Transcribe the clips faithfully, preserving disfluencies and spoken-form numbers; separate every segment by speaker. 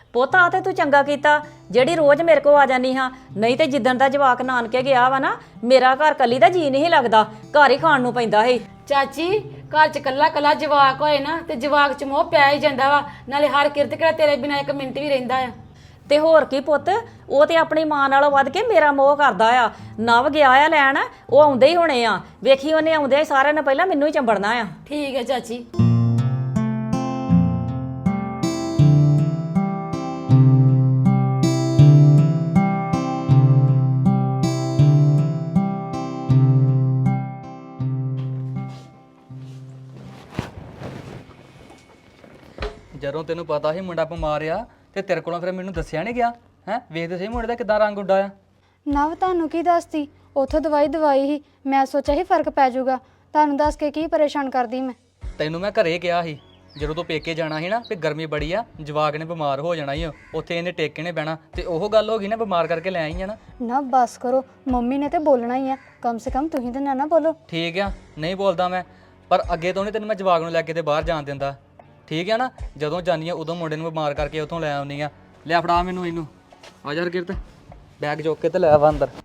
Speaker 1: ਪੁੱਤ ਆ ਤੇ ਤੂੰ ਚੰਗਾ ਕੀਤਾ ਜਿਹੜੀ ਰੋਜ਼ ਮੇਰੇ ਕੋ ਆ ਜਾਨੀ ਹਾਂ, ਨਹੀਂ ਤੇ ਜਿੱਦਣ ਦਾ ਜਵਾਕ ਨਾਨਕੇ ਗਿਆ ਵਾ ਨਾ ਮੇਰਾ ਘਰ ਕੱਲੀ ਦਾ ਜੀ ਨਹੀਂ ਲੱਗਦਾ, ਘਰ ਹੀ ਖਾਣ ਨੂੰ ਪੈਂਦਾ ਸੀ।
Speaker 2: ਚਾਚੀ ਘਰ ਚ ਕੱਲਾ ਕੱਲਾ ਜਵਾਕ ਹੋਏ ਨਾ ਤੇ ਜਵਾਕ ਚ ਮੋਹ ਪਿਆ ਹੀ ਜਾਂਦਾ ਵਾ, ਨਾਲੇ ਹਰ ਕਿਰਤ ਕਿਹੜਾ ਤੇਰੇ ਬਿਨਾਂ ਇੱਕ ਮਿੰਟ ਵੀ ਰਹਿੰਦਾ ਆ।
Speaker 1: ਤੇ ਹੋਰ ਕੀ ਪੁੱਤ, ਉਹ ਤੇ ਆਪਣੀ ਮਾਂ ਨਾਲੋਂ ਵੱਧ ਕੇ ਮੇਰਾ ਮੋਹ ਕਰਦਾ ਆ। ਨਵ ਗਿਆ ਆ ਲੈਣ, ਉਹ ਆਉਂਦੇ ਹੀ ਹੋਣੇ ਆ, ਵੇਖੀ ਉਹਨੇ ਆਉਂਦੇ ਸਾਰਿਆਂ ਨੇ ਪਹਿਲਾਂ ਮੈਨੂੰ ਹੀ ਚੰਬੜਨਾ ਆ।
Speaker 2: ਠੀਕ ਹੈ ਚਾਚੀ।
Speaker 3: ਜਦੋਂ ਤੈਨੂੰ ਪਤਾ ਸੀ ਮੁੰਡਾ ਬਿਮਾਰ ਆ ਤੇ ਤੇਰੇ ਕੋਲੋਂ ਫਿਰ ਮੈਨੂੰ ਦੱਸਿਆ ਨਹੀਂ ਗਿਆ ਹੈ? ਵੇਖਦੇ ਸਹੀ ਮੁੰਡੇ ਦਾ ਕਿੱਦਾਂ ਰੰਗ ਉੱਡਾ ਆ।
Speaker 4: ਨਵ ਤੁਹਾਨੂੰ ਕੀ ਦੱਸਦੀ, ਉਥੋਂ ਦਵਾਈ ਦਵਾਈ ਹੀ, ਮੈਂ ਸੋਚਿਆ ਸੀ ਫਰਕ ਪੈ ਜਾਊਗਾ, ਤੁਹਾਨੂੰ ਦੱਸ ਕੇ ਕੀ ਪਰੇਸ਼ਾਨ ਕਰਦੀ ਮੈਂ।
Speaker 3: ਤੈਨੂੰ ਮੈਂ ਘਰੇ ਕਿਹਾ ਸੀ ਜਦੋਂ ਤੂੰ ਪੇਕੇ ਜਾਣਾ ਸੀ ਨਾ ਵੀ ਗਰਮੀ ਬੜੀ ਆ, ਜਵਾਕ ਨੇ ਬਿਮਾਰ ਹੋ ਜਾਣਾ ਹੀ, ਉੱਥੇ ਇਹਨੇ ਟੇਕੇ ਨੇ ਬਹਿਣਾ, ਤੇ ਉਹ ਗੱਲ ਹੋ ਗਈ ਨਾ, ਬਿਮਾਰ ਕਰਕੇ ਲੈ ਆਈ ਆ ਨਾ।
Speaker 4: ਨਾ ਬਸ ਕਰੋ, ਮੰਮੀ ਨੇ ਤੇ ਬੋਲਣਾ ਹੀ ਆ, ਕਮ ਸੇ ਕਮ ਤੁਸੀਂ ਤਾਂ ਨਾ ਨਾ ਬੋਲੋ।
Speaker 3: ਠੀਕ ਆ, ਨਹੀਂ ਬੋਲਦਾ ਮੈਂ, ਪਰ ਅੱਗੇ ਤੋਂ ਨਹੀਂ ਤੈਨੂੰ ਮੈਂ ਜਵਾਕ ਨੂੰ ਲੈ ਕੇ ਤੇ ਬਾਹਰ ਜਾਣ ਦਿੰਦਾ, ਠੀਕ ਆ ਨਾ? ਜਦੋਂ ਜਾਨੀ ਆ ਉਦੋਂ ਮੁੰਡੇ ਨੂੰ ਬਿਮਾਰ ਕਰਕੇ ਉੱਥੋਂ ਲੈ ਆਉਣੀ ਆ। ਲਿਆ ਫੜਾ ਮੈਨੂੰ ਇਹਨੂੰ, ਆ ਜਾ ਹਰਕਿਰਤ, ਬੈਗ ਚੁੱਕ ਕੇ ਤੇ ਲੈ ਆ ਅੰਦਰ।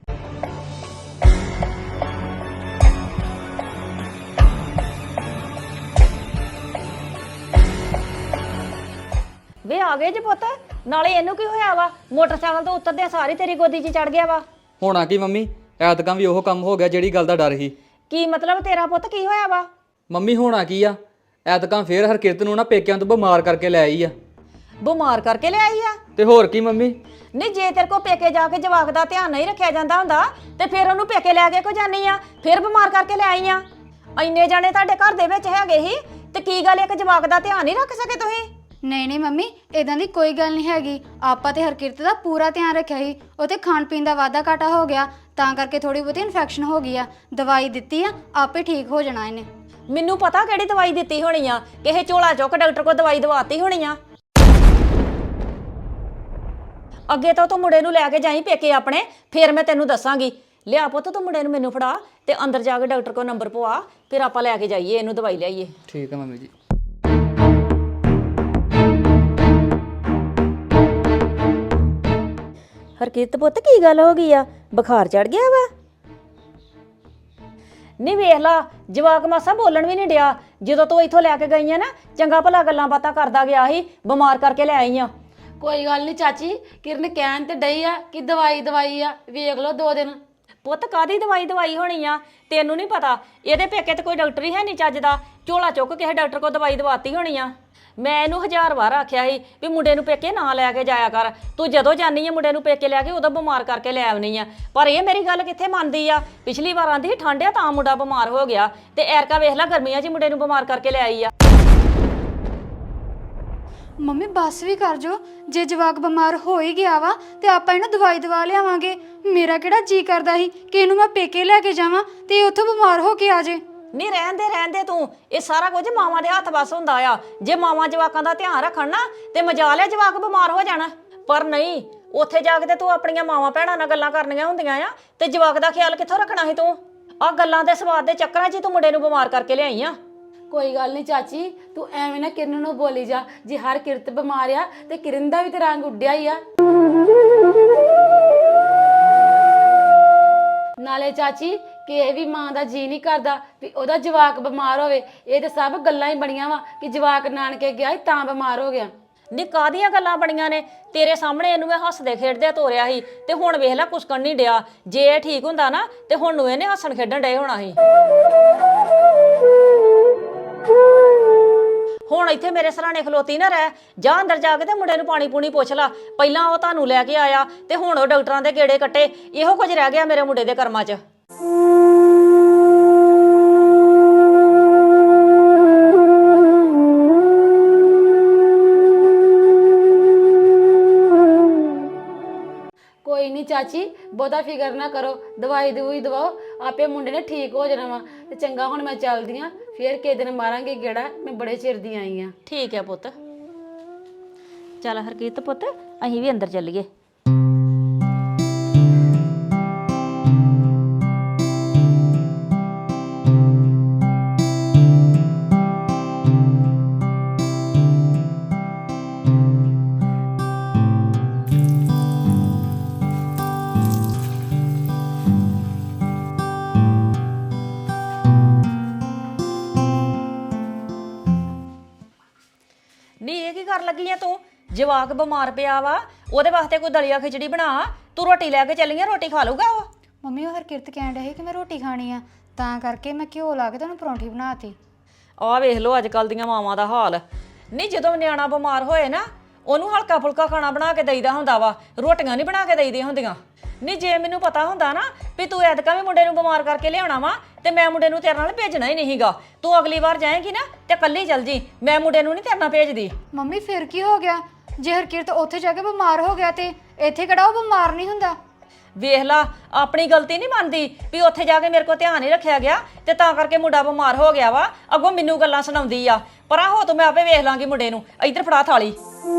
Speaker 1: ਵੇ ਆ ਗਏ ਜੇ ਪੁੱਤ, ਨਾਲੇ ਇਹਨੂੰ ਕੀ ਹੋਇਆ ਵਾ? ਮੋਟਰਸਾਈਕਲ ਤੋਂ ਉਤਰਦਿਆਂ ਸਾਰੀ ਤੇਰੀ ਗੋਦੀ 'ਚ ਚੜ ਗਿਆ ਵਾ।
Speaker 3: ਹੋਣਾ ਕੀ ਮੰਮੀ, ਐਤਕਾਂ ਵੀ ਉਹ ਕੰਮ ਹੋ ਗਿਆ ਜਿਹੜੀ ਗੱਲ ਦਾ ਡਰ ਸੀ।
Speaker 1: ਕੀ ਮਤਲਬ ਤੇਰਾ ਪੁੱਤ, ਕੀ ਹੋਇਆ ਵਾ?
Speaker 3: ਮੰਮੀ ਹੋਣਾ ਕੀ ਆ, ਐਤਕਾਂ ਫੇਰ ਹਰਕਿਰਤ ਨੂੰ ਨਾ ਪੇਕਿਆਂ ਤੋਂ ਬਿਮਾਰ ਕਰਕੇ ਲੈ ਆਈ ਆ।
Speaker 1: ਬਿਮਾਰ ਕਰਕੇ ਲਿਆਈ ਆ?
Speaker 3: ਤੇ ਹੋਰ ਕੀ ਮੰਮੀ।
Speaker 1: ਨਹੀਂ ਜੇ ਤੇਰੇ ਕੋ ਪੇਕੇ ਜਾ ਕੇ ਜਵਾਕ ਦਾ ਧਿਆਨ ਨਹੀਂ ਰੱਖਿਆ ਜਾਂਦਾ ਹੁੰਦਾ ਤੇ ਫਿਰ ਉਹਨੂੰ ਪੇਕੇ ਲੈ ਕੇ ਕੋ ਜਾਨੀ ਆ, ਫਿਰ ਬਿਮਾਰ ਕਰਕੇ ਲੈ ਆਈ ਆ? ਇੰਨੇ ਜਾਣੇ ਤੁਹਾਡੇ ਘਰ ਦੇ ਵਿੱਚ ਹੈਗੇ ਹੀ ਤੇ ਕੀ ਗੱਲ ਇੱਕ ਜਵਾਕ ਦਾ ਧਿਆਨ ਨਹੀਂ ਰੱਖ ਸਕੇ ਤੁਸੀਂ?
Speaker 4: ਨਹੀਂ ਨਹੀਂ ਮੰਮੀ, ਇਦਾਂ ਦੀ ਕੋਈ ਗੱਲ ਨਹੀਂ ਹੈਗੀ, ਆਪਾਂ ਤੇ ਹਰਕਿਰਤ ਦਾ ਪੂਰਾ ਧਿਆਨ ਰੱਖਿਆ ਸੀ, ਉਹ ਤੇ ਖਾਣ ਪੀਣ ਦਾ ਵਾਧਾ ਘਾਟਾ ਹੋ ਗਿਆ, ਤਾਂ ਕਰਕੇ ਥੋੜੀ ਬਹੁਤੀ ਇਨਫੈਕਸ਼ਨ ਹੋ ਗਈ ਆ, ਦਵਾਈ ਦਿੱਤੀ ਆ, ਆਪੇ ਠੀਕ ਹੋ ਜਾਣਾ ਇਹਨੇ।
Speaker 1: ਮੈਨੂੰ ਪਤਾ ਕਿਹੜੀ ਦਵਾਈ ਦਿੱਤੀ ਹੋਣੀ ਆ, ਕਿਸੇ ਝੋਲਾ ਚੁੱਕ ਡਾਕਟਰ ਕੋ ਦਵਾਈ ਦਵਾਤੀ ਹੋਣੀ ਆ। ਅੱਗੇ ਤੋਂ ਤੂੰ ਮੁੰਡੇ ਨੂੰ ਲੈ ਕੇ ਜਾਈ ਪੇਕੇ ਆਪਣੇ, ਫਿਰ ਮੈਂ ਤੈਨੂੰ ਦੱਸਾਂਗੀ। ਲਿਆ ਪੁੱਤ ਤੂੰ ਮੁੰਡੇ ਨੂੰ ਮੈਨੂੰ ਫੜਾ ਤੇ ਅੰਦਰ ਜਾ ਕੇ ਡਾਕਟਰ ਕੋ ਨੰਬਰ ਪਵਾ, ਫਿਰ ਆਪਾਂ ਲੈ ਕੇ ਜਾਈਏ ਇਹਨੂੰ, ਦਵਾਈ ਲਿਆਈਏ।
Speaker 3: ਠੀਕ ਆ ਮੰਮੀ ਜੀ।
Speaker 1: ਹਰਕੀਰਤ ਪੁੱਤ ਕੀ ਗੱਲ ਹੋ ਗਈ ਆ, ਬੁਖਾਰ ਚੜ ਗਿਆ ਵਾ? ਨਹੀਂ ਵੇਖ ਲਾ, ਜਵਾਕ ਮਾਸਾ ਬੋਲਣ ਵੀ ਨਹੀਂ ਡਿਆ। ਜਦੋਂ ਤੂੰ ਇੱਥੋਂ ਲੈ ਕੇ ਗਈ ਆ ਨਾ, ਚੰਗਾ ਭਲਾ ਗੱਲਾਂ ਬਾਤਾਂ ਕਰਦਾ ਗਿਆ ਸੀ, ਬਿਮਾਰ ਕਰਕੇ ਲੈ ਆਈ ਆ।
Speaker 2: ਕੋਈ ਗੱਲ ਨਹੀਂ ਚਾਚੀ, ਕਿਰਨ ਕਹਿਣ ਤੇ ਡਈ ਆ ਕਿ ਦਵਾਈ ਦਵਾਈ ਆ, ਵੇਖ ਲਓ ਦੋ ਦਿਨ।
Speaker 1: ਪੁੱਤ ਕਾਦੀ ਦਵਾਈ ਦਵਾਈ ਹੋਣੀ ਆ, ਤੈਨੂੰ ਨਹੀਂ ਪਤਾ? ਇਹਦੇ ਪੇਕੇ ਤੇ ਕੋਈ ਡਾਕਟਰ ਹੀ ਹੈ ਨਹੀਂ ਚੱਜ ਦਾ, ਝੋਲਾ ਚੁੱਕ ਕਿਸੇ ਡਾਕਟਰ ਕੋਲ ਦਵਾਈ ਦਵਾਤੀ ਹੋਣੀ ਆ। ਮੈਂ ਇਹਨੂੰ ਹਜ਼ਾਰ ਵਾਰ ਆਖਿਆ ਸੀ ਵੀ ਮੁੰਡੇ ਨੂੰ ਪੇਕੇ ਨਾ ਲੈ ਕੇ ਜਾਇਆ ਕਰ, ਤੂੰ ਜਦੋਂ ਜਾਨੀ ਆ ਮੁੰਡੇ ਨੂੰ ਪੇਕੇ ਲੈ ਕੇ ਉਦੋਂ ਬਿਮਾਰ ਕਰਕੇ ਲੈ ਆਉਣੀ ਆ, ਪਰ ਇਹ ਮੇਰੀ ਗੱਲ ਕਿੱਥੇ ਮੰਨਦੀ ਆ। ਪਿਛਲੀ ਵਾਰ ਆਂਦੀ ਸੀ ਠੰਡ ਆ ਤਾਂ ਮੁੰਡਾ ਬਿਮਾਰ ਹੋ ਗਿਆ, ਤੇ ਐਰਕਾ ਵੇਖ ਲੈ ਗਰਮੀਆਂ 'ਚ ਮੁੰਡੇ ਨੂੰ ਬਿਮਾਰ ਕਰਕੇ ਲੈ ਆਈ ਆ।
Speaker 4: ਮੰਮੀ ਬੱਸ ਵੀ ਕਰ ਜੋ, ਜੇ ਜਵਾਕ ਬਿਮਾਰ ਹੋ ਹੀ ਗਿਆ ਵਾ ਤੇ ਆਪਾਂ ਇਹਨੂੰ ਦਵਾਈ ਦਵਾ ਲਿਆਵਾਂਗੇ। ਮੇਰਾ ਕਿਹੜਾ ਜੀ ਕਰਦਾ ਸੀ ਕਿ ਇਹਨੂੰ ਮੈਂ ਪੇਕੇ ਲੈ ਕੇ ਜਾਵਾਂ ਤੇ ਇਹ ਉੱਥੋਂ ਬਿਮਾਰ ਹੋ ਕੇ ਆ ਜੇ।
Speaker 1: ਨਹੀਂ ਰਹਿਣ ਦੇ ਰਹਿਣ ਦੇ ਤੂੰ, ਇਹ ਸਾਰਾ ਕੁਝ ਮਾਵਾਂ ਦੇ ਹੱਥ ਵੱਸ ਹੁੰਦਾ ਆ। ਜੇ ਮਾਵਾਂ ਜਵਾਕਾਂ ਦਾ ਧਿਆਨ ਰੱਖਣ ਨਾ ਤੇ ਮਜਾ ਲਿਆ ਜਵਾਕ ਬਿਮਾਰ ਹੋ ਜਾਣਾ, ਪਰ ਨਹੀਂ, ਉੱਥੇ ਜਾ ਕੇ ਤੇ ਤੂੰ ਆਪਣੀਆਂ ਮਾਵਾਂ ਭੈਣਾਂ ਨਾਲ ਗੱਲਾਂ ਕਰਨੀਆਂ ਹੁੰਦੀਆਂ ਆ, ਤੇ ਜਵਾਕ ਦਾ ਖਿਆਲ ਕਿੱਥੋਂ ਰੱਖਣਾ ਸੀ ਤੂੰ? ਆਹ ਗੱਲਾਂ ਦੇ ਸਵਾਦ ਦੇ ਚੱਕਰਾਂ 'ਚ ਤੂੰ ਮੁੰਡੇ ਨੂੰ ਬਿਮਾਰ ਕਰਕੇ ਲਿਆਈ ਆ।
Speaker 2: ਕੋਈ ਗੱਲ ਨਹੀਂ ਚਾਚੀ, ਤੂੰ ਐਵੇਂ ਨਾ ਕਿਰਨ ਨੂੰ ਬੋਲੀ ਜਾ, ਜੇ ਹਰ ਕਿਰਤ ਬਿਮਾਰ ਆ ਤੇ ਕਿਰਨ ਦਾ ਵੀ ਤੇ ਰੰਗ ਉੱਡਿਆ ਹੀ ਆ। ਨਾਲੇ ਚਾਚੀ ਕਿਸੇ ਵੀ ਮਾਂ ਦਾ ਜੀ ਨਹੀਂ ਕਰਦਾ ਵੀ ਉਹਦਾ ਜਵਾਕ ਬਿਮਾਰ ਹੋਵੇ, ਇਹ ਤੇ ਸਭ ਗੱਲਾਂ ਹੀ ਬਣੀਆਂ ਵਾ ਕਿ ਜਵਾਕ ਨਾਨਕੇ ਗਿਆ ਸੀ ਤਾਂ ਬਿਮਾਰ ਹੋ ਗਿਆ।
Speaker 1: ਨੀ ਕਾਹਦੀਆਂ ਗੱਲਾਂ ਬਣੀਆਂ ਨੇ? ਤੇਰੇ ਸਾਹਮਣੇ ਇਹਨੂੰ ਮੈਂ ਹੱਸਦੇ ਖੇਡਦੇ ਤੋਰਿਆ ਸੀ, ਤੇ ਹੁਣ ਵੇਖ ਲੈ ਕੁਸਕਣ ਨਹੀਂ ਡਿਆ। ਜੇ ਇਹ ਠੀਕ ਹੁੰਦਾ ਨਾ ਤੇ ਹੁਣ ਨੂੰ ਇਹਨੇ ਹੱਸਣ ਖੇਡਣ ਡਏ ਹੋਣਾ ਸੀ। ਹੁਣ ਇੱਥੇ ਮੇਰੇ ਸਰਾਣੇ ਖਲੋਤੀ ਨਾ ਰਹਿ, ਜਾ ਅੰਦਰ ਜਾ ਕੇ ਤੇ ਮੁੰਡੇ ਨੂੰ ਪਾਣੀ ਪੂਣੀ ਪੁੱਛ ਲਾ। ਪਹਿਲਾਂ ਉਹ ਤੁਹਾਨੂੰ ਲੈ ਕੇ ਆਇਆ ਤੇ ਹੁਣ ਉਹ ਡਾਕਟਰਾਂ ਦੇ ਗੇੜੇ ਕੱਟੇ, ਇਹੋ ਕੁਝ ਰਹਿ ਗਿਆ ਮੇਰੇ ਮੁੰਡੇ ਦੇ ਕਰਮਾਂ 'ਚ।
Speaker 2: ਕੋਈ ਨਹੀਂ ਚਾਚੀ, ਬਹੁਤਾ ਫਿਕਰ ਨਾ ਕਰੋ, ਦਵਾਈ ਦਵਾਈ ਦਵਾਓ, ਆਪੇ ਮੁੰਡੇ ਨੇ ਠੀਕ ਹੋ ਜਾਣਾ ਵਾ। ਤੇ ਚੰਗਾ ਹੁਣ ਮੈਂ ਚੱਲਦੀ ਆ, ਫੇਰ ਕਿਸੇ ਦਿਨ ਮਾਰਾਂਗੇ ਗੇੜਾ, ਮੈਂ ਬੜੇ ਚਿਰ ਦੀ ਆਈ ਆ।
Speaker 1: ਠੀਕ ਹੈ ਪੁੱਤ, ਚੱਲ ਹਰਕੀਤ ਪੁੱਤ ਅਸੀਂ ਵੀ ਅੰਦਰ ਚੱਲੀਏ। ਜਵਾਕ ਬਿਮਾਰ ਪਿਆ ਵਾ ਉਹਦੇ ਵਾਸਤੇ ਕੋਈ ਦਲੀਆ ਖਿਚੜੀ ਬਣਾ, ਤੂੰ ਰੋਟੀ ਲੈ ਕੇ ਚੱਲੀ ਆ, ਰੋਟੀ ਖਾ ਲਊਗਾ ਉਹ।
Speaker 4: ਮੰਮੀ ਉਹ ਹਰਕਿਰਤ ਕਹਿਣ ਡਿਆ ਸੀ ਕਿ ਮੈਂ ਰੋਟੀ ਖਾਣੀ ਆ, ਤਾਂ ਕਰਕੇ ਮੈਂ ਘਿਓ ਲਾ ਕੇ ਤੁਹਾਨੂੰ ਪਰੌਂਠੀ ਬਣਾਤੀ।
Speaker 1: ਆਹ ਵੇਖ ਲਓ ਅੱਜ ਕੱਲ ਦੀਆਂ ਮਾਵਾਂ ਦਾ ਹਾਲ। ਨਹੀਂ ਜਦੋਂ ਨਿਆਣਾ ਬਿਮਾਰ ਹੋਏ ਨਾ ਉਹਨੂੰ ਹਲਕਾ ਫੁਲਕਾ ਖਾਣਾ ਬਣਾ ਕੇ ਦੇਈਦਾ ਹੁੰਦਾ ਵਾ, ਰੋਟੀਆਂ ਨਹੀਂ ਬਣਾ ਕੇ ਦੇਈਦੀਆਂ ਹੁੰਦੀਆਂ। ਨਹੀਂ ਜੇ ਮੈਨੂੰ ਪਤਾ ਹੁੰਦਾ ਨਾ ਵੀ ਤੂੰ ਐਤਕਾਂ ਵੀ ਮੁੰਡੇ ਨੂੰ ਬਿਮਾਰ ਕਰਕੇ ਲਿਆਉਣਾ ਵਾ ਤੇ ਮੈਂ ਮੁੰਡੇ ਨੂੰ ਤੇਰੇ ਨਾਲ ਭੇਜਣਾ ਹੀ ਨਹੀਂਗਾ। ਤੂੰ ਅਗਲੀ ਵਾਰ ਜਾਏਂਗੀ ਨਾ ਤੇ ਕੱਲੀ ਚੱਲ ਜੀ, ਮੈਂ ਮੁੰਡੇ ਨੂੰ ਨਹੀਂ ਤੇਰੇ ਨਾਲ ਭੇਜਦੀ।
Speaker 4: ਮੰਮੀ ਫਿਰ ਕੀ ਹੋ ਗਿਆ? ਜੇ ਹਰਕਿਰਤ ਉੱਥੇ ਜਾ ਕੇ ਬਿਮਾਰ ਹੋ ਗਿਆ ਤੇ ਇੱਥੇ ਕਿਹੜਾ ਉਹ ਬਿਮਾਰ ਨਹੀਂ ਹੁੰਦਾ?
Speaker 1: ਵੇਖ ਲਾ ਆਪਣੀ ਗਲਤੀ ਨਹੀਂ ਮੰਨਦੀ ਵੀ ਉੱਥੇ ਜਾ ਕੇ ਮੇਰੇ ਕੋਲ ਧਿਆਨ ਨਹੀਂ ਰੱਖਿਆ ਗਿਆ ਤੇ ਤਾਂ ਕਰਕੇ ਮੁੰਡਾ ਬਿਮਾਰ ਹੋ ਗਿਆ ਵਾ, ਅੱਗੋਂ ਮੈਨੂੰ ਗੱਲਾਂ ਸੁਣਾਉਂਦੀ ਆ। ਪਰਾਂ ਹੋ ਤੂੰ, ਮੈਂ ਆਪੇ ਵੇਖ ਲਾਂਗੀ ਮੁੰਡੇ ਨੂੰ। ਇੱਧਰ ਫੜਾ ਥਾਲੀ।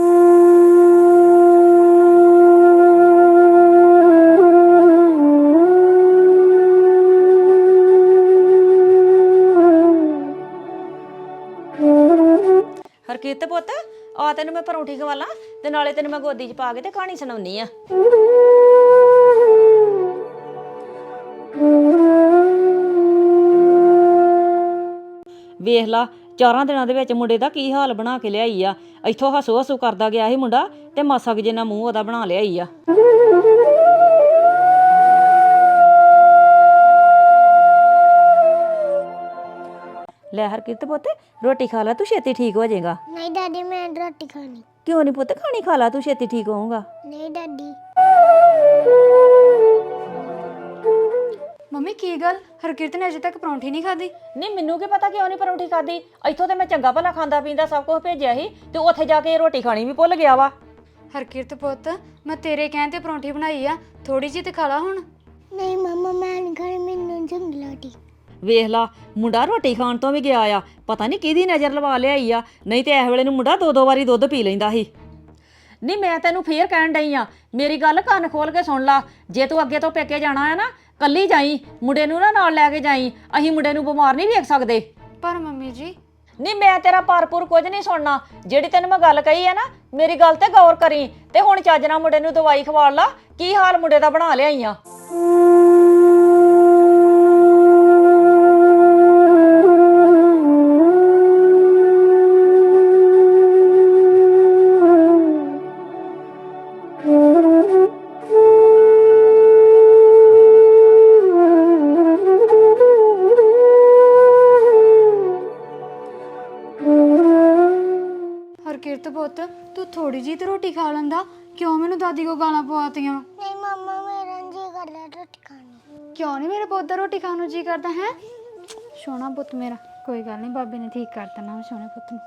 Speaker 1: ਹਰਕੀਤ ਪੁੱਤ ਆ ਤੈਨੂੰ ਮੈਂ ਪਰੌਂਠੀ ਖਵਾ ਲਾਂ ਤੇ ਨਾਲੇ ਤੈਨੂੰ ਮੈਂ ਗੋਦੀ 'ਚ ਪਾ ਕੇ ਤੇ ਕਹਾਣੀ ਸੁਣਾਉਣੀ ਆ। ਵੇਖ ਲਾ ਚਾਰਾਂ ਦਿਨਾਂ ਦੇ ਵਿੱਚ ਮੁੰਡੇ ਦਾ ਕੀ ਹਾਲ ਬਣਾ ਕੇ ਲਿਆਈ ਆ। ਇੱਥੋਂ ਹਸੂ ਹਸੂ ਕਰਦਾ ਗਿਆ ਸੀ ਮੁੰਡਾ ਤੇ ਮਾਸਾ ਕੁ ਜਿੰਨਾ ਮੂੰਹ ਉਹਦਾ ਬਣਾ ਲਿਆਈ ਆ। ਲੈ ਹਰਕਿਰਤ ਪੁੱਤ ਰੋਟੀ ਖਾ ਲੈ, ਤੂੰ ਛੇਤੀ ਠੀਕ ਹੋ ਜਾਏਗਾ।
Speaker 5: ਨਹੀਂ ਦਾਦੀ ਮੈਂ ਰੋਟੀ ਖਾਣੀ।
Speaker 1: ਕਿਉਂ ਨਹੀਂ ਪੁੱਤ ਖਾਣੀ? ਖਾ ਲਾ, ਤੂੰ ਛੇਤੀ ਠੀਕ ਹੋਊਗਾ।
Speaker 5: ਨਹੀਂ ਦਾਦੀ।
Speaker 4: ਮੰਮੀ ਕੀ ਗੱਲ, ਹਰਕਿਰਤ ਨੇ ਅਜੇ ਤੱਕ ਪਰੌਂਠੀ ਨਹੀਂ ਖਾਧੀ?
Speaker 1: ਨਹੀਂ ਮੈਨੂੰ ਕੀ ਪਤਾ ਕਿਉਂ ਨਹੀਂ ਪਰੌਂਠੀ ਖਾਦੀ। ਇੱਥੋਂ ਤੇ ਮੈਂ ਚੰਗਾ ਭਲਾ ਖਾਂਦਾ ਪੀਂਦਾ ਸਭ ਕੁਝ ਭੇਜਿਆ ਸੀ ਤੇ ਉੱਥੇ ਜਾ ਕੇ ਰੋਟੀ ਖਾਣੀ ਵੀ ਭੁੱਲ ਗਿਆ ਵਾ।
Speaker 4: ਹਰਕਿਰਤ ਪੁੱਤ ਮੈਂ ਤੇਰੇ ਕਹਿਣ ਤੇ ਪਰੌਂਠੀ ਬਣਾਈ ਆ, ਥੋੜੀ ਜਿਹੀ ਤੇ ਖਾ ਲਾ ਹੁਣ।
Speaker 5: ਨਹੀਂ ਮਮਾ ਮੈਂ ਨਹੀਂ ਖਾਣੀ, ਮੈਨੂੰ ਚੰਗੀ ਲੱਗਦੀ।
Speaker 1: ਵੇਖ ਲਾ ਮੁੰਡਾ ਰੋਟੀ ਖਾਣ ਤੋਂ ਵੀ ਗਿਆ ਆ, ਪਤਾ ਨਹੀਂ ਕਿਹਦੀ ਨਜ਼ਰ ਲਵਾ ਲਿਆਈ ਆ। ਨਹੀਂ ਤੇ ਇਸ ਵੇਲੇ ਨੂੰ ਮੁੰਡਾ ਦੋ ਦੋ ਵਾਰੀ ਦੁੱਧ ਪੀ ਲੈਂਦਾ ਸੀ। ਨਹੀਂ ਮੈਂ ਤੈਨੂੰ ਫੇਰ ਕਹਿਣ ਡਈ ਆ, ਮੇਰੀ ਗੱਲ ਕੰਨ ਖੋਲ ਕੇ ਸੁਣ ਲਾ। ਜੇ ਤੂੰ ਅੱਗੇ ਤੋਂ ਪੇਕੇ ਜਾਣਾ ਹੈ ਨਾ ਕੱਲੀ ਜਾਈ, ਮੁੰਡੇ ਨੂੰ ਨਾ ਨਾਲ ਲੈ ਕੇ ਜਾਈ। ਅਸੀਂ ਮੁੰਡੇ ਨੂੰ ਬਿਮਾਰ ਨਹੀਂ ਵੇਖ ਸਕਦੇ।
Speaker 4: ਪਰ ਮੰਮੀ ਜੀ
Speaker 1: ਨਹੀਂ ਮੈਂ ਤੇਰਾ ਭਰਪੂਰ ਕੁਝ ਨਹੀਂ ਸੁਣਨਾ। ਜਿਹੜੀ ਤੈਨੂੰ ਮੈਂ ਗੱਲ ਕਹੀ ਹੈ ਨਾ ਮੇਰੀ ਗੱਲ ਤੇ ਗੌਰ ਕਰੀ ਤੇ ਹੁਣ ਚੱਜ ਨਾਲ ਮੁੰਡੇ ਨੂੰ ਦਵਾਈ ਖਵਾ ਲਾ। ਕੀ ਹਾਲ ਮੁੰਡੇ ਦਾ ਬਣਾ ਲਿਆਈ ਆ।
Speaker 4: ਹਰਕਿਰਤ ਪੁੱਤ ਤੂੰ ਥੋੜੀ ਜਿਹੀ ਤੇ ਰੋਟੀ ਖਾ ਲੈਂਦਾ, ਕਿਉਂ ਮੈਨੂੰ ਦਾਦੀ ਕੋ ਗਾਲਾਂ ਪਵਾਤੀਆਂ?
Speaker 5: ਨਹੀਂ ਮਮਾ ਮੇਰਾ ਜੀ ਕਰਦਾ ਰੋਟੀ ਖਾਣੀ।
Speaker 4: ਕਿਉਂ ਨਹੀਂ ਮੇਰੇ ਪੁੱਤ ਦਾ ਰੋਟੀ ਖਾਣ ਨੂੰ ਜੀ ਕਰਦਾ ਹੈ? ਸੋਹਣਾ ਪੁੱਤ ਮੇਰਾ, ਕੋਈ ਗੱਲ ਨਹੀਂ ਬਾਬੇ ਨੇ ਠੀਕ ਕਰ ਦੇਣਾ ਸੋਹਣੇ ਪੁੱਤ ਨੂੰ।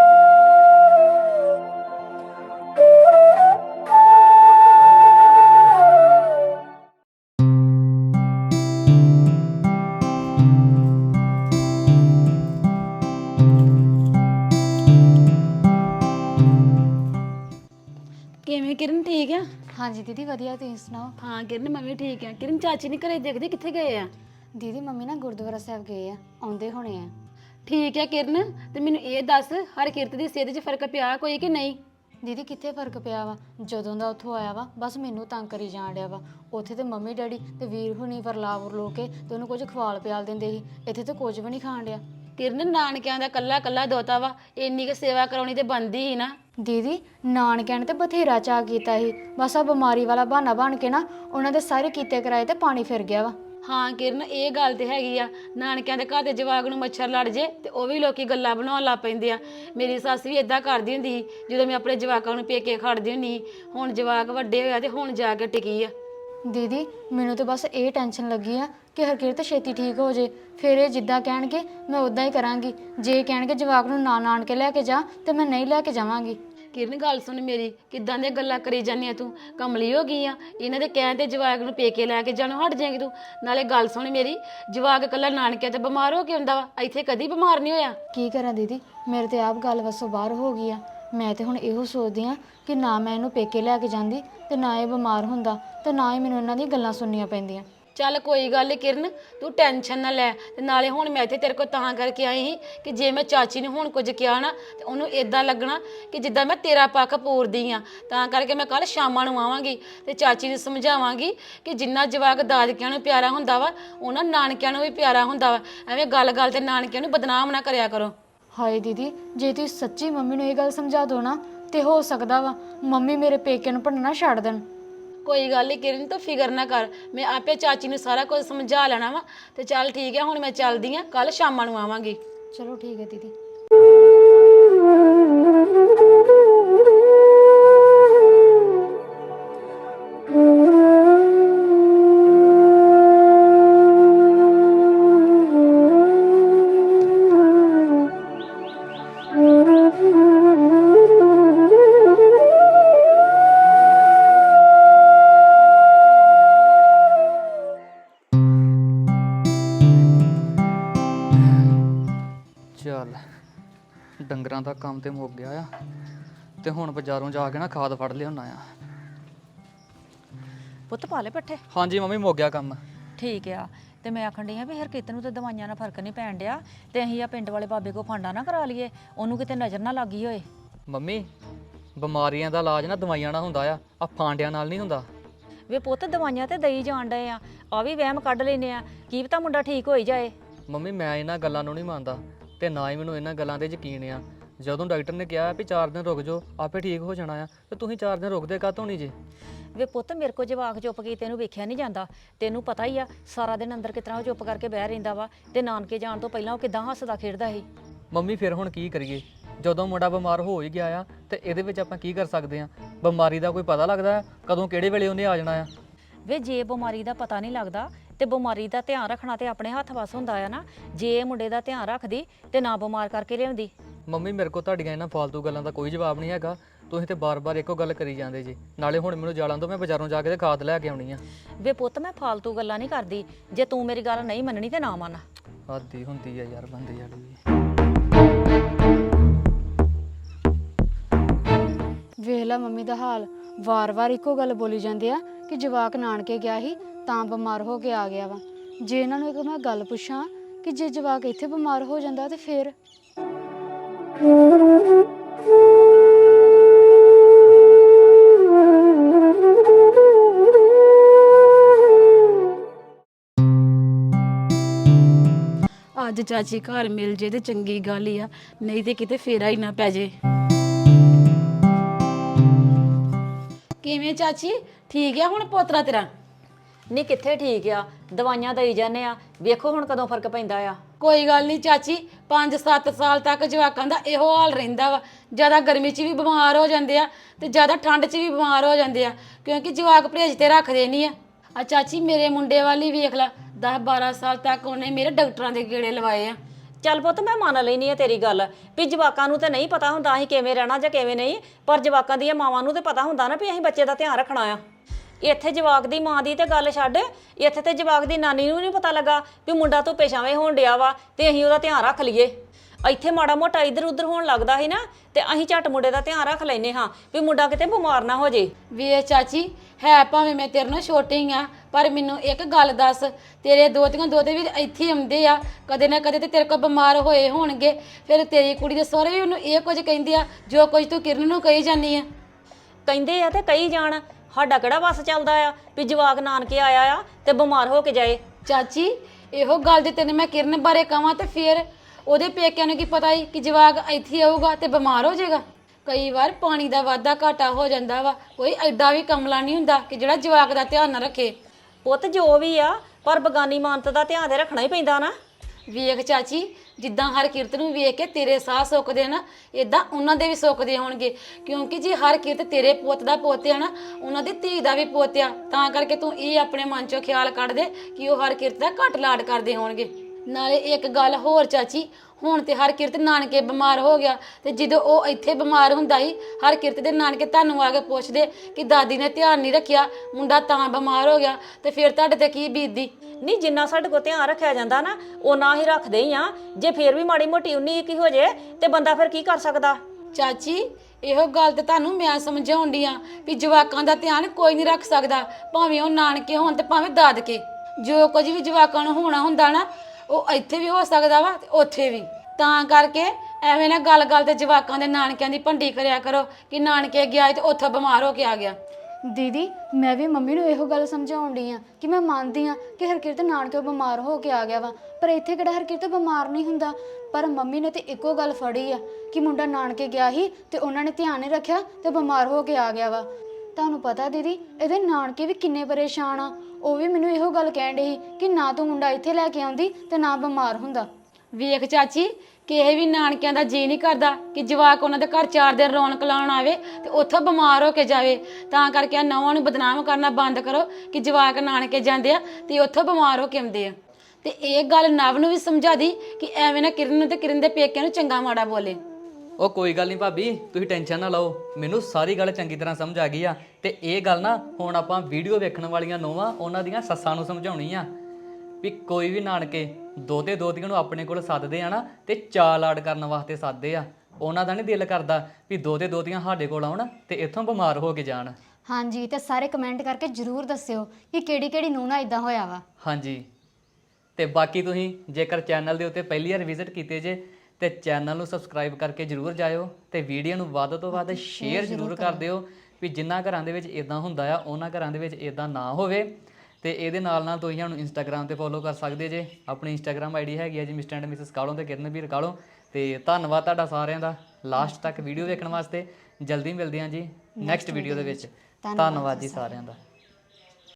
Speaker 2: ਕਿਵੇਂ ਕਿਰਨ ਠੀਕ ਆ?
Speaker 4: ਹਾਂਜੀ ਦੀਦੀ ਵਧੀਆ, ਤੁਸੀਂ ਸੁਣਾਓ?
Speaker 2: ਹਾਂ ਕਿਰਨ ਮੈਂ ਵੀ ਠੀਕ ਆ। ਕਿਰਨ ਚਾਚੀ ਨਹੀਂ ਘਰੇ, ਦੇਖਦੇ ਕਿੱਥੇ ਗਏ ਆ?
Speaker 4: ਦੀਦੀ ਮੰਮੀ ਨਾ ਗੁਰਦੁਆਰਾ ਸਾਹਿਬ ਗਏ ਆ, ਆਉਂਦੇ ਹੋਣੇ ਆ।
Speaker 2: ਠੀਕ ਆ ਕਿਰਨ, ਤੇ ਮੈਨੂੰ ਇਹ ਦੱਸ ਹਰਕਿਰਤ ਦੀ ਸਿਹਤ 'ਚ ਫਰਕ ਪਿਆ ਕੋਈ ਕਿ ਨਹੀਂ?
Speaker 4: ਦੀਦੀ ਕਿੱਥੇ ਫਰਕ ਪਿਆ ਵਾ, ਜਦੋਂ ਦਾ ਉੱਥੋਂ ਆਇਆ ਵਾ ਬਸ ਮੈਨੂੰ ਤੰਗ ਕਰੀ ਜਾਣ ਡਿਆ ਵਾ। ਉੱਥੇ ਤੇ ਮੰਮੀ ਡੈਡੀ ਤੇ ਵੀਰ ਹੁਣੀ ਵਰਲਾ ਵਰਲੋ ਕੇ ਤੇ ਉਹਨੂੰ ਕੁਝ ਖਵਾਲ ਪਿਆਲ ਦਿੰਦੇ ਸੀ, ਇੱਥੇ ਤੇ ਕੁਝ ਵੀ ਨਹੀਂ ਖਾਣ ਡਿਆ।
Speaker 2: ਕਿਰਨ ਨਾਨਕਿਆਂ ਦਾ ਕੱਲਾ ਕੱਲਾ ਦੋਤਾ ਵਾ, ਇੰਨੀ ਕੁ ਸੇਵਾ ਕਰਾਉਣੀ ਤੇ ਬਣਦੀ ਹੀ ਨਾ।
Speaker 4: ਦੀਦੀ ਨਾਨਕਿਆਂ ਨੇ ਤੇ ਬਥੇਰਾ ਚਾਅ ਕੀਤਾ ਸੀ, ਬਸ ਆ ਬਿਮਾਰੀ ਵਾਲਾ ਬਹਾਨਾ ਬਣ ਕੇ ਨਾ ਉਹਨਾਂ ਦੇ ਸਾਰੇ ਕੀਤੇ ਕਰਾਏ ਤੇ ਪਾਣੀ ਫਿਰ ਗਿਆ ਵਾ।
Speaker 2: ਹਾਂ ਕਿਰਨ ਇਹ ਗੱਲ ਤੇ ਹੈਗੀ ਆ, ਨਾਨਕਿਆਂ ਦੇ ਘਰ ਦੇ ਜਵਾਕ ਨੂੰ ਮੱਛਰ ਲੜ ਜੇ ਤੇ ਉਹ ਵੀ ਲੋਕੀ ਗੱਲਾਂ ਬਣਾਉਣ ਲੱਗ ਪੈਂਦੇ ਆ। ਮੇਰੀ ਸੱਸ ਵੀ ਇਦਾਂ ਕਰਦੀ ਹੁੰਦੀ ਸੀ ਜਦੋਂ ਮੈਂ ਆਪਣੇ ਜਵਾਕਾਂ ਨੂੰ ਪੇਕੇ ਖੜਦੀ ਹੁੰਦੀ ਸੀ। ਹੁਣ ਜਵਾਕ ਵੱਡੇ ਹੋਇਆ ਤੇ ਹੁਣ ਜਾ ਕੇ ਟਿਕੀ ਆ।
Speaker 4: ਦੀਦੀ ਮੈਨੂੰ ਤੇ ਬਸ ਇਹ ਟੈਨਸ਼ਨ ਲੱਗੀ ਆ ਕਿ ਹਰਕਿਰਤ ਛੇਤੀ ਠੀਕ ਹੋ ਜੇ, ਫਿਰ ਇਹ ਜਿੱਦਾਂ ਕਹਿਣਗੇ ਮੈਂ ਉਦਾਂ ਹੀ ਕਰਾਂਗੀ। ਜੇ ਕਹਿਣਗੇ ਜਵਾਕ ਨੂੰ ਨਾ ਨਾਨ ਕੇ ਲੈ ਕੇ ਜਾ ਤੇ ਮੈਂ ਨਹੀਂ ਲੈ ਕੇ ਜਾਵਾਂਗੀ।
Speaker 2: ਕਿਰਨ ਗੱਲ ਸੁਣ ਮੇਰੀ, ਕਿੱਦਾਂ ਦੀਆਂ ਗੱਲਾਂ ਕਰੀ ਜਾਂਦੀ ਆ ਤੂੰ? ਕਮਲੀ ਹੋ ਗਈ ਆ? ਇਹਨਾਂ ਦੇ ਕਹਿਣ ਤੇ ਜਵਾਕ ਨੂੰ ਪੇਕੇ ਲੈ ਕੇ ਜਾਣੋਂ ਹਟ ਜਾਏਗੀ ਤੂੰ? ਨਾਲੇ ਗੱਲ ਸੁਣ ਮੇਰੀ, ਜਵਾਕ ਇਕੱਲਾ ਨਾਨਕਿਆਂ ਤੇ ਬਿਮਾਰ ਹੋ ਕੇ ਹੁੰਦਾ ਵਾ, ਇੱਥੇ ਕਦੀ ਬਿਮਾਰ ਨਹੀਂ ਹੋਇਆ।
Speaker 4: ਕੀ ਕਰਾਂ ਦੀਦੀ, ਮੇਰੇ ਤੇ ਆਪ ਗੱਲ ਵੱਸੋਂ ਬਾਹਰ ਹੋ ਗਈ ਆ। ਮੈਂ ਤੇ ਹੁਣ ਇਹੋ ਸੋਚਦੀ ਆ ਕਿ ਨਾ ਮੈਂ ਇਹਨੂੰ ਪੇਕੇ ਲੈ ਕੇ ਜਾਂਦੀ ਤੇ ਨਾ ਇਹ ਬਿਮਾਰ ਹੁੰਦਾ ਤੇ ਨਾ ਹੀ ਮੈਨੂੰ ਇਹਨਾਂ ਦੀਆਂ ਗੱਲਾਂ ਸੁਣਨੀਆਂ ਪੈਂਦੀਆਂ।
Speaker 2: ਚੱਲ ਕੋਈ ਗੱਲ ਨੀ ਕਿਰਨ, ਤੂੰ ਟੈਨਸ਼ਨ ਨਾ ਲੈ। ਤੇ ਨਾਲੇ ਹੁਣ ਮੈਂ ਇੱਥੇ ਤੇਰੇ ਕੋਲ ਤਾਂ ਕਰਕੇ ਆਈ ਸੀ ਕਿ ਜੇ ਮੈਂ ਚਾਚੀ ਨੂੰ ਹੁਣ ਕੁਝ ਕਿਹਾ ਨਾ ਤੇ ਉਹਨੂੰ ਇਦਾਂ ਲੱਗਣਾ ਕਿ ਜਿੱਦਾਂ ਮੈਂ ਤੇਰਾ ਪੱਖ ਪੂਰਦੀ ਆ। ਤਾਂ ਕਰਕੇ ਮੈਂ ਕੱਲ ਸ਼ਾਮਾਂ ਨੂੰ ਆਵਾਂਗੀ ਤੇ ਚਾਚੀ ਨੂੰ ਸਮਝਾਵਾਂਗੀ ਕਿ ਜਿੰਨਾ ਜਵਾਕ ਦਾਦਕਿਆਂ ਨੂੰ ਪਿਆਰਾ ਹੁੰਦਾ ਵਾ ਉਹਨਾਂ ਨਾਨਕਿਆਂ ਨੂੰ ਵੀ ਪਿਆਰਾ ਹੁੰਦਾ ਵਾ। ਐਵੇਂ ਗੱਲ ਗੱਲ ਤੇ ਨਾਨਕਿਆਂ ਨੂੰ ਬਦਨਾਮ ਨਾ ਕਰਿਆ ਕਰੋ।
Speaker 4: ਹਾਏ ਦੀਦੀ, ਜੇ ਤੁਸੀਂ ਸੱਚੀ ਮੰਮੀ ਨੂੰ ਇਹ ਗੱਲ ਸਮਝਾ ਦੋ ਨਾ ਤੇ ਹੋ ਸਕਦਾ ਵਾ ਮੰਮੀ ਮੇਰੇ ਪੇਕੇ ਨੂੰ ਭੰਨਣਾ ਛੱਡ ਦੇਣ।
Speaker 2: ਕੋਈ ਗੱਲ ਨਹੀਂ ਕਿਰਨ, ਤੂੰ ਫਿਕਰ ਨਾ ਕਰ, ਮੈਂ ਆਪੇ ਚਾਚੀ ਨੂੰ ਸਾਰਾ ਕੁਝ ਸਮਝਾ ਲੈਣਾ ਵਾ। ਤੇ ਚੱਲ ਠੀਕ ਹੈ, ਹੁਣ ਮੈਂ ਚੱਲਦੀ ਆ, ਕੱਲ ਸ਼ਾਮਾਂ ਨੂੰ ਆਵਾਂਗੀ।
Speaker 4: ਚਲੋ ਠੀਕ ਹੈ ਦੀਦੀ।
Speaker 3: ਚੱਲ ਡੰਗਰਾਂ ਦਾ ਕੰਮ ਤੇ ਮੁੱਕ ਗਿਆ ਆ ਤੇ ਹੁਣ ਬਾਜ਼ਾਰੋਂ ਜਾ ਕੇ ਨਾ ਖਾਦ ਫੜ ਲਿਆਉਣਾ ਆ।
Speaker 1: ਪੁੱਤ ਪਾ ਲੈ ਪੱਠੇ।
Speaker 3: ਹਾਂਜੀ ਮੰਮੀ ਮੁੱਕ ਗਿਆ ਕੰਮ।
Speaker 1: ਠੀਕ ਆ। ਤੇ ਮੈਂ ਆਖਣ ਡਈ ਆ ਵੀ ਹਰਕੀਤ ਨੂੰ ਤੇ ਦਵਾਈਆਂ ਨਾਲ ਫਰਕ ਨਹੀਂ ਪੈਣ ਡਿਆ ਤੇ ਅਸੀਂ ਆ ਪਿੰਡ ਵਾਲੇ ਬਾਬੇ ਕੋ ਫਾਂਡਾ ਨਾ ਕਰਾ ਲਈਏ, ਉਹਨੂੰ ਕਿਤੇ ਨਜ਼ਰ ਨਾ ਲੱਗੀ ਹੋਏ।
Speaker 3: ਮੰਮੀ ਬਿਮਾਰੀਆਂ ਦਾ ਇਲਾਜ ਨਾ ਦਵਾਈਆਂ ਨਾਲ ਹੁੰਦਾ ਆ, ਆ ਫਾਂਡਿਆਂ ਨਾਲ ਨਹੀਂ ਹੁੰਦਾ।
Speaker 1: ਵੇ ਪੁੱਤ ਦਵਾਈਆਂ ਤੇ ਦਈ ਜਾਣ ਡਏ ਆ, ਆ ਵੀ ਵਹਿਮ ਕੱਢ ਲੈਨੇ ਆ, ਕੀ ਪਤਾ ਮੁੰਡਾ ਠੀਕ ਹੋਈ ਜਾਏ।
Speaker 3: ਮੰਮੀ ਮੈਂ ਇਹਨਾਂ ਗੱਲਾਂ ਨੂੰ ਨਹੀਂ ਮੰਨਦਾ ਤੇ ਨਾ ਹੀ ਮੈਨੂੰ ਇਹਨਾਂ ਗੱਲਾਂ ਤੇ ਯਕੀਨ ਆ। ਜਦੋਂ ਡਾਕਟਰ ਨੇ ਕਿਹਾ ਵੀ ਚਾਰ ਦਿਨ ਰੁਕ ਜਾਓ ਆਪੇ ਠੀਕ ਹੋ ਜਾਣਾ ਆ, ਤੇ ਤੁਸੀਂ ਚਾਰ ਦਿਨ ਰੁਕਦੇ ਕਾਹਤੋਂ ਨਹੀਂ ਜੇ?
Speaker 1: ਵੇ ਪੁੱਤ ਮੇਰੇ ਕੋ ਜਵਾਕ ਚੁੱਪ ਕੀਤੇ ਨੂੰ ਵੇਖਿਆ ਨਹੀਂ ਜਾਂਦਾ, ਤੈਨੂੰ ਪਤਾ ਹੀ ਆ ਸਾਰਾ ਦਿਨ ਅੰਦਰ ਕਿਤਨਾ ਉਹ ਚੁੱਪ ਕਰਕੇ ਬਹਿ ਰਹਿੰਦਾ ਵਾ, ਤੇ ਨਾਨਕੇ ਜਾਣ ਤੋਂ ਪਹਿਲਾਂ ਉਹ ਕਿਦਾਂ ਹੱਸਦਾ ਖੇਡਦਾ ਸੀ।
Speaker 3: ਮੰਮੀ ਫਿਰ ਹੁਣ ਕੀ ਕਰੀਏ? ਜਦੋਂ ਮੁੰਡਾ ਬਿਮਾਰ ਹੋ ਹੀ ਗਿਆ ਆ ਤੇ ਇਹਦੇ ਵਿੱਚ ਆਪਾਂ ਕੀ ਕਰ ਸਕਦੇ ਆ? ਬਿਮਾਰੀ ਦਾ ਕੋਈ ਪਤਾ ਲੱਗਦਾ ਹੈ ਕਦੋਂ ਕਿਹੜੇ ਵੇਲੇ ਉਹਨੇ ਆ ਜਾਣਾ ਆ?
Speaker 1: ਵੇ ਜੇ ਬਿਮਾਰੀ ਦਾ ਪਤਾ ਨਹੀਂ ਲੱਗਦਾ ਤੇ ਬਿਮਾਰੀ ਦਾ ਧਿਆਨ ਰੱਖਣਾ ਤੇ ਆਪਣੇ ਹੱਥ ਵੱਸ ਹੁੰਦਾ ਆ ਨਾ। ਜੇ ਇਹ ਮੁੰਡੇ ਦਾ ਧਿਆਨ ਰੱਖਦੀ ਤੇ ਨਾ ਬਿਮਾਰ ਕਰਕੇ ਲਿਆਉਂਦੀ।
Speaker 3: ਮੰਮੀ ਮੇਰੇ ਕੋਲ ਤੁਹਾਡੀਆਂ ਇਹਨਾਂ ਫਾਲਤੂ ਗੱਲਾਂ ਦਾ ਕੋਈ ਜਵਾਬ ਨਹੀਂ ਹੈਗਾ, ਤੁਸੀਂ ਤੇ ਬਾਰ-ਬਾਰ ਇੱਕੋ ਗੱਲ ਕਰੀ ਜਾਂਦੇ ਜੀ। ਨਾਲੇ ਹੁਣ ਮੈਨੂੰ ਜਾਲਾਂ ਤੋਂ ਮੈਂ ਬਾਜ਼ਾਰੋਂ ਜਾ ਕੇ ਤੇ ਖਾਦ ਲੈ ਕੇ ਆਉਣੀ ਆ।
Speaker 1: ਵੇ ਪੁੱਤ ਮੈਂ ਫਾਲਤੂ ਗੱਲਾਂ ਨਹੀਂ ਕਰਦੀ, ਜੇ ਤੂੰ ਮੇਰੀ ਗੱਲ ਨਹੀਂ ਮੰਨਣੀ ਤੇ ਨਾ ਮੰਨ।
Speaker 3: ਆਦੀ ਹੁੰਦੀ ਆ ਯਾਰ ਬੰਦੇ ਵਾਲੀ।
Speaker 4: ਵੇਖ ਲਾ ਮੰਮੀ ਦਾ ਹਾਲ, ਵਾਰ-ਵਾਰ ਇੱਕੋ ਗੱਲ ਬੋਲੀ ਜਾਂਦੇ ਆ ਕਿ ਜਵਾਕ ਨਾਨਕੇ ਗਿਆ ਸੀ ਤਾਂ ਬਿਮਾਰ ਹੋ ਕੇ ਆ ਗਿਆ ਵਾ। ਜੇ ਇਹਨਾਂ ਨੂੰ ਇੱਕ ਮੈਂ ਗੱਲ ਪੁੱਛਾਂ ਕਿ ਜੇ ਜਵਾਕ ਇੱਥੇ ਬਿਮਾਰ ਹੋ ਜਾਂਦਾ ਤੇ ਫਿਰ?
Speaker 2: ਅੱਜ ਚਾਚੀ ਘਰ ਮਿਲ ਜੇ ਤੇ ਚੰਗੀ ਗੱਲ ਹੀ ਆ, ਨਹੀਂ ਤੇ ਕਿਤੇ ਫੇਰਾ ਹੀ ਨਾ ਪੈ ਜੇ। ਕਿਵੇਂ ਚਾਚੀ, ਠੀਕ ਆ ਹੁਣ ਪੋਤਰਾ ਤੇਰਾ?
Speaker 1: ਨਹੀਂ ਕਿੱਥੇ ਠੀਕ ਆ, ਦਵਾਈਆਂ ਦੇਈ ਜਾਂਦੇ ਆ, ਵੇਖੋ ਹੁਣ ਕਦੋਂ ਫਰਕ ਪੈਂਦਾ ਆ।
Speaker 2: ਕੋਈ ਗੱਲ ਨਹੀਂ ਚਾਚੀ, ਪੰਜ ਸੱਤ ਸਾਲ ਤੱਕ ਜਵਾਕਾਂ ਦਾ ਇਹੋ ਹਾਲ ਰਹਿੰਦਾ ਵਾ। ਜ਼ਿਆਦਾ ਗਰਮੀ 'ਚ ਵੀ ਬਿਮਾਰ ਹੋ ਜਾਂਦੇ ਆ ਤੇ ਜ਼ਿਆਦਾ ਠੰਡ 'ਚ ਵੀ ਬਿਮਾਰ ਹੋ ਜਾਂਦੇ ਆ, ਕਿਉਂਕਿ ਜਵਾਕ ਪਰਹੇਜ ਤੇ ਰੱਖਦੇ ਨਹੀਂ ਆ। ਆ ਚਾਚੀ ਮੇਰੇ ਮੁੰਡੇ ਵਾਲੀ ਵੇਖ ਲਾ, ਦਸ ਬਾਰਾਂ ਸਾਲ ਤੱਕ ਉਹਨੇ ਮੇਰੇ ਡਾਕਟਰਾਂ ਦੇ ਗੇੜੇ ਲਵਾਏ ਆ।
Speaker 1: ਚੱਲ ਪੁੱਤ ਮੈਂ ਮੰਨ ਲੈਣੀ ਆ ਤੇਰੀ ਗੱਲ ਵੀ ਜਵਾਕਾਂ ਨੂੰ ਤੇ ਨਹੀਂ ਪਤਾ ਹੁੰਦਾ ਅਸੀਂ ਕਿਵੇਂ ਰਹਿਣਾ ਜਾਂ ਕਿਵੇਂ ਨਹੀਂ, ਪਰ ਜਵਾਕਾਂ ਦੀਆਂ ਮਾਵਾਂ ਨੂੰ ਤੇ ਪਤਾ ਹੁੰਦਾ ਨਾ ਵੀ ਅਸੀਂ ਬੱਚੇ ਦਾ ਧਿਆਨ ਰੱਖਣਾ ਆ। ਇੱਥੇ ਜਵਾਕ ਦੀ ਮਾਂ ਦੀ ਤੇ ਗੱਲ ਛੱਡ, ਇੱਥੇ ਤੇ ਜਵਾਕ ਦੀ ਨਾਨੀ ਨੂੰ ਨਹੀਂ ਪਤਾ ਲੱਗਾ ਵੀ ਮੁੰਡਾ ਤੋਂ ਪੇਸ਼ਾਵੇਂ ਹੋਣ ਡਿਆ ਵਾ ਤੇ ਅਸੀਂ ਉਹਦਾ ਧਿਆਨ ਰੱਖ ਲਈਏ। ਇੱਥੇ ਮਾੜਾ ਮੋਟਾ ਇੱਧਰ ਉੱਧਰ ਹੋਣ ਲੱਗਦਾ ਸੀ ਨਾ ਤੇ ਅਸੀਂ ਝੱਟ ਮੁੰਡੇ ਦਾ ਧਿਆਨ ਰੱਖ ਲੈਨੇ ਹਾਂ ਵੀ ਮੁੰਡਾ ਕਿਤੇ ਬਿਮਾਰ ਨਾ ਹੋ ਜੇ।
Speaker 2: ਵੇ ਚਾਚੀ ਹੈ ਭਾਵੇਂ ਮੈਂ ਤੇਰੇ ਨਾਲ ਛੋਟੀ ਆ, ਪਰ ਮੈਨੂੰ ਇੱਕ ਗੱਲ ਦੱਸ, ਤੇਰੇ ਦੋਤੀਆਂ ਦੋਤੇ ਵੀ ਇੱਥੇ ਆਉਂਦੇ ਆ, ਕਦੇ ਨਾ ਕਦੇ ਤੇ ਤੇਰੇ ਕੋਲ ਬਿਮਾਰ ਹੋਏ ਹੋਣਗੇ, ਫਿਰ ਤੇਰੀ ਕੁੜੀ ਦੇ ਸਹੁਰੇ ਵੀ ਉਹਨੂੰ ਇਹ ਕੁਝ ਕਹਿੰਦੇ ਆ ਜੋ ਕੁਝ ਤੂੰ ਕਿਰਨ ਨੂੰ ਕਹੀ ਜਾਂਦੀ ਆ।
Speaker 1: ਕਹਿੰਦੇ ਆ ਤੇ ਕਹੀ ਜਾਣ, ਸਾਡਾ ਕਿਹੜਾ ਵੱਸ ਚੱਲਦਾ ਆ ਵੀ ਜਵਾਕ ਨਾਨਕੇ ਆਇਆ ਆ ਤੇ ਬਿਮਾਰ ਹੋ ਕੇ ਜਾਏ।
Speaker 2: ਚਾਚੀ ਇਹੋ ਗੱਲ ਜੇ ਤੈਨੂੰ ਮੈਂ ਕਿਰਨ ਬਾਰੇ ਕਹਾਂ ਤੇ ਫਿਰ ਉਹਦੇ ਪੇਕਿਆਂ ਨੂੰ ਕੀ ਪਤਾ ਹੀ ਕਿ ਜਵਾਕ ਇੱਥੇ ਆਊਗਾ ਤੇ ਬਿਮਾਰ ਹੋ ਜਾਏਗਾ। ਕਈ ਵਾਰ ਪਾਣੀ ਦਾ ਵਾਧਾ ਘਾਟਾ ਹੋ ਜਾਂਦਾ ਵਾ, ਕੋਈ ਐਡਾ ਵੀ ਕਮਲਾ ਨਹੀਂ ਹੁੰਦਾ ਕਿ ਜਿਹੜਾ ਜਵਾਕ ਦਾ ਧਿਆਨ ਨਾ ਰੱਖੇ।
Speaker 1: ਪੁੱਤ ਜੋ ਵੀ ਆ ਪਰ ਬਗਾਨੀ ਮਾਨਤ ਦਾ ਧਿਆਨ ਤੇ ਰੱਖਣਾ ਹੀ ਪੈਂਦਾ ਨਾ।
Speaker 2: ਵੇਖ ਚਾਚੀ, ਜਿੱਦਾਂ ਹਰ ਕਿਰਤ ਨੂੰ ਵੇਖ ਕੇ ਤੇਰੇ ਸਾਹ ਸੁੱਕਦੇ ਨਾ, ਇਦਾਂ ਉਹਨਾਂ ਦੇ ਵੀ ਸੁੱਕਦੇ ਹੋਣਗੇ, ਕਿਉਂਕਿ ਜੇ ਹਰ ਕਿਰਤ ਤੇਰੇ ਪੁੱਤ ਦਾ ਪੁੱਤ ਆ ਨਾ, ਉਹਨਾਂ ਦੀ ਧੀ ਦਾ ਵੀ ਪੁੱਤ ਆ। ਤਾਂ ਕਰਕੇ ਤੂੰ ਇਹ ਆਪਣੇ ਮਨ ਚੋਂ ਖਿਆਲ ਕੱਢ ਦੇ ਕਿ ਉਹ ਹਰ ਕਿਰਤ ਦਾ ਘੱਟ ਲਾਡ ਕਰਦੇ ਹੋਣਗੇ। ਨਾਲੇ ਇੱਕ ਗੱਲ ਹੋਰ ਚਾਚੀ, ਹੁਣ ਤੇ ਹਰ ਕਿਰਤ ਨਾਨਕੇ ਬਿਮਾਰ ਹੋ ਗਿਆ ਤੇ ਜਦੋਂ ਉਹ ਇੱਥੇ ਬਿਮਾਰ ਹੁੰਦਾ ਸੀ, ਹਰ ਕਿਰਤ ਦੇ ਨਾਨਕੇ ਤੁਹਾਨੂੰ ਆ ਕੇ ਪੁੱਛਦੇ ਕਿ ਦਾਦੀ ਨੇ ਧਿਆਨ ਨਹੀਂ ਰੱਖਿਆ, ਮੁੰਡਾ ਤਾਂ ਬਿਮਾਰ ਹੋ ਗਿਆ, ਤੇ ਫਿਰ ਤੁਹਾਡੇ ਤੇ ਕੀ ਬੀਤਦੀ?
Speaker 1: ਨਹੀਂ ਜਿੰਨਾ ਸਾਡੇ ਕੋਲ ਧਿਆਨ ਰੱਖਿਆ ਜਾਂਦਾ ਨਾ ਉਹਨਾਂ ਹੀ ਰੱਖਦੇ ਹੀ ਆ। ਜੇ ਫੇਰ ਵੀ ਮਾੜੀ ਮੋਟੀ ਉਨੀ ਕੀ ਹੋ ਜੇ ਤੇ ਬੰਦਾ ਫਿਰ ਕੀ ਕਰ ਸਕਦਾ?
Speaker 2: ਚਾਚੀ ਇਹੋ ਗੱਲ ਤੇ ਤੁਹਾਨੂੰ ਮੈਂ ਸਮਝਾਉਣ ਡਈ ਆ ਵੀ ਜਵਾਕਾਂ ਦਾ ਧਿਆਨ ਕੋਈ ਨਹੀਂ ਰੱਖ ਸਕਦਾ, ਭਾਵੇਂ ਉਹ ਨਾਨਕੇ ਹੋਣ ਤੇ ਭਾਵੇਂ ਦਾਦਕੇ। ਜੋ ਕੁਝ ਵੀ ਜਵਾਕਾਂ ਨੂੰ ਹੋਣਾ ਹੁੰਦਾ ਨਾ, ਉਹ ਇੱਥੇ ਵੀ ਹੋ ਸਕਦਾ ਵਾ ਤੇ ਉੱਥੇ ਵੀ। ਤਾਂ ਕਰਕੇ ਐਵੇਂ ਨਾ ਗੱਲ ਗੱਲ ਤੇ ਜਵਾਕਾਂ ਦੇ ਨਾਨਕਿਆਂ ਦੀ ਭੰਡੀ ਕਰਿਆ ਕਰੋ ਕਿ ਨਾਨਕੇ ਗਿਆ ਤੇ ਉੱਥੋਂ ਬਿਮਾਰ ਹੋ ਕੇ ਆ ਗਿਆ।
Speaker 4: ਦੀਦੀ ਮੈਂ ਵੀ ਮੰਮੀ ਨੂੰ ਇਹੋ ਗੱਲ ਸਮਝਾਉਣ ਡਈ ਆ ਕਿ ਮੈਂ ਮੰਨਦੀ ਆ ਕਿ ਹਰਕਿਰਤ ਨਾਨਕੇ ਬਿਮਾਰ ਹੋ ਕੇ ਆ ਗਿਆ ਵਾ, ਪਰ ਇੱਥੇ ਕਿਹੜਾ ਹਰਕਿਰਤ ਬਿਮਾਰ ਨਹੀਂ ਹੁੰਦਾ। ਪਰ ਮੰਮੀ ਨੇ ਤੇ ਇੱਕੋ ਗੱਲ ਫੜੀ ਆ ਕਿ ਮੁੰਡਾ ਨਾਨਕੇ ਗਿਆ ਸੀ ਤੇ ਉਹਨਾਂ ਨੇ ਧਿਆਨ ਨਹੀਂ ਰੱਖਿਆ ਤੇ ਬਿਮਾਰ ਹੋ ਕੇ ਆ ਗਿਆ ਵਾ। ਤੁਹਾਨੂੰ ਪਤਾ ਦੀਦੀ ਇਹਦੇ ਨਾਨਕੇ ਵੀ ਕਿੰਨੇ ਪਰੇਸ਼ਾਨ ਆ। ਉਹ ਵੀ ਮੈਨੂੰ ਇਹੋ ਗੱਲ ਕਹਿਣ ਡੇ ਸੀ ਕਿ ਨਾ ਤੂੰ ਮੁੰਡਾ ਇੱਥੇ ਲੈ ਕੇ ਆਉਂਦੀ ਤੇ ਨਾ ਬਿਮਾਰ ਹੁੰਦਾ।
Speaker 2: ਵੇਖ ਚਾਚੀ, ਕਿਸੇ ਵੀ ਨਾਨਕਿਆਂ ਦਾ ਜੀ ਨਹੀਂ ਕਰਦਾ ਕਿ ਜਵਾਕ ਉਹਨਾਂ ਦੇ ਘਰ ਚਾਰ ਦਿਨ ਰੌਣਕ ਲਾਉਣ ਆਵੇ ਤੇ ਉੱਥੋਂ ਬਿਮਾਰ ਹੋ ਕੇ ਜਾਵੇ। ਤਾਂ ਕਰਕੇ ਆ ਨੌਵਾਂ ਨੂੰ ਬਦਨਾਮ ਕਰਨਾ ਬੰਦ ਕਰੋ ਕਿ ਜਵਾਕ ਨਾਨਕੇ ਜਾਂਦੇ ਆ ਤੇ ਉੱਥੋਂ ਬਿਮਾਰ ਹੋ ਕੇ ਆਉਂਦੇ ਆ। ਤੇ ਇਹ ਗੱਲ ਨਵ ਨੂੰ ਵੀ ਸਮਝਾ ਦੀ ਕਿ ਐਵੇਂ ਨਾ ਕਿਰਨ ਨੂੰ ਤੇ ਕਿਰਨ ਦੇ ਪੇਕਿਆਂ ਨੂੰ ਚੰਗਾ ਮਾੜਾ ਬੋਲੇ।
Speaker 3: ਉਹ ਕੋਈ ਗੱਲ ਨਹੀਂ ਭਾਬੀ, ਤੁਸੀਂ ਟੈਨਸ਼ਨ ਨਾ ਲਓ, ਮੈਨੂੰ ਸਾਰੀ ਗੱਲ ਚੰਗੀ ਤਰ੍ਹਾਂ ਸਮਝ ਆ ਗਈ ਆ। ਤੇ ਇਹ ਗੱਲ ਨਾ ਹੁਣ ਆਪਾਂ ਵੀਡੀਓ ਵੇਖਣ ਵਾਲੀਆਂ ਨੋਵਾਂ ਉਹਨਾਂ ਦੀਆਂ ਸੱਸਾਂ ਨੂੰ ਸਮਝਾਉਣੀ ਆ ਵੀ ਕੋਈ ਵੀ ਨਾਨਕੇ ਦੋਤੇ ਦੋਤੀਆਂ ਨੂੰ ਆਪਣੇ ਕੋਲ ਸੱਦਦੇ ਆ ਨਾ ਤੇ ਚਾਅ ਲਾਡ ਕਰਨ ਵਾਸਤੇ ਸੱਦਦੇ ਆ। ਉਹਨਾਂ ਦਾ ਨਹੀਂ ਦਿਲ ਕਰਦਾ ਵੀ ਦੋਤੇ ਦੋਤੀਆਂ ਸਾਡੇ ਕੋਲ ਆਉਣ ਤੇ ਇੱਥੋਂ ਬਿਮਾਰ ਹੋ ਕੇ ਜਾਣ।
Speaker 4: ਹਾਂਜੀ, ਤੇ ਸਾਰੇ ਕਮੈਂਟ ਕਰਕੇ ਜ਼ਰੂਰ ਦੱਸਿਓ ਕਿ ਕਿਹੜੀ ਕਿਹੜੀ ਨੂੰਹ ਨਾਲ ਇਦਾਂ ਹੋਇਆ ਵਾ।
Speaker 3: ਹਾਂਜੀ, ਤੇ ਬਾਕੀ ਤੁਸੀਂ ਜੇਕਰ ਚੈਨਲ ਦੇ ਉੱਤੇ ਪਹਿਲੀ ਵਾਰ ਵਿਜ਼ਿਟ ਕੀਤੇ ਜੇ ਤੇ ਚੈਨਲ ਨੂੰ ਸਬਸਕ੍ਰਾਈਬ ਕਰਕੇ ਜ਼ਰੂਰ ਜਾਇਓ ਤੇ ਵੀਡੀਓ ਨੂੰ ਵੱਧ ਤੋਂ ਵੱਧ ਸ਼ੇਅਰ ਜ਼ਰੂਰ ਕਰ ਦਿਓ ਵੀ ਜਿਨ੍ਹਾਂ ਘਰਾਂ ਦੇ ਵਿੱਚ ਇਦਾਂ ਹੁੰਦਾ ਆ ਉਹਨਾਂ ਘਰਾਂ ਦੇ ਵਿੱਚ ਇਦਾਂ ਨਾ ਹੋਵੇ। ਤੇ ਇਹਦੇ ਨਾਲ ਨਾਲ ਤੁਸੀਂ ਸਾਨੂੰ ਇੰਸਟਾਗ੍ਰਾਮ ਤੇ ਫੋਲੋ ਕਰ ਸਕਦੇ ਜੇ। ਆਪਣੀ ਇੰਸਟਾਗ੍ਰਾਮ ਆਈਡੀ ਹੈਗੀ ਆ ਜੀ ਮਿਸਟਰ ਐਂਡ ਮਿਸਿਸ ਕਾਲੋਂ ਤੇ ਕਿਰਨਵੀਰ ਕਾਲੋਂ। ਤੇ ਧੰਨਵਾਦ ਤੁਹਾਡਾ ਸਾਰਿਆਂ ਦਾ ਲਾਸਟ ਤੱਕ ਵੀਡੀਓ ਵੇਖਣ ਵਾਸਤੇ। ਜਲਦੀ ਮਿਲਦੇ ਹਾਂ ਜੀ ਨੈਕਸਟ ਵੀਡੀਓ ਦੇ ਵਿੱਚ। ਧੰਨਵਾਦ ਜੀ ਸਾਰਿਆਂ ਦਾ।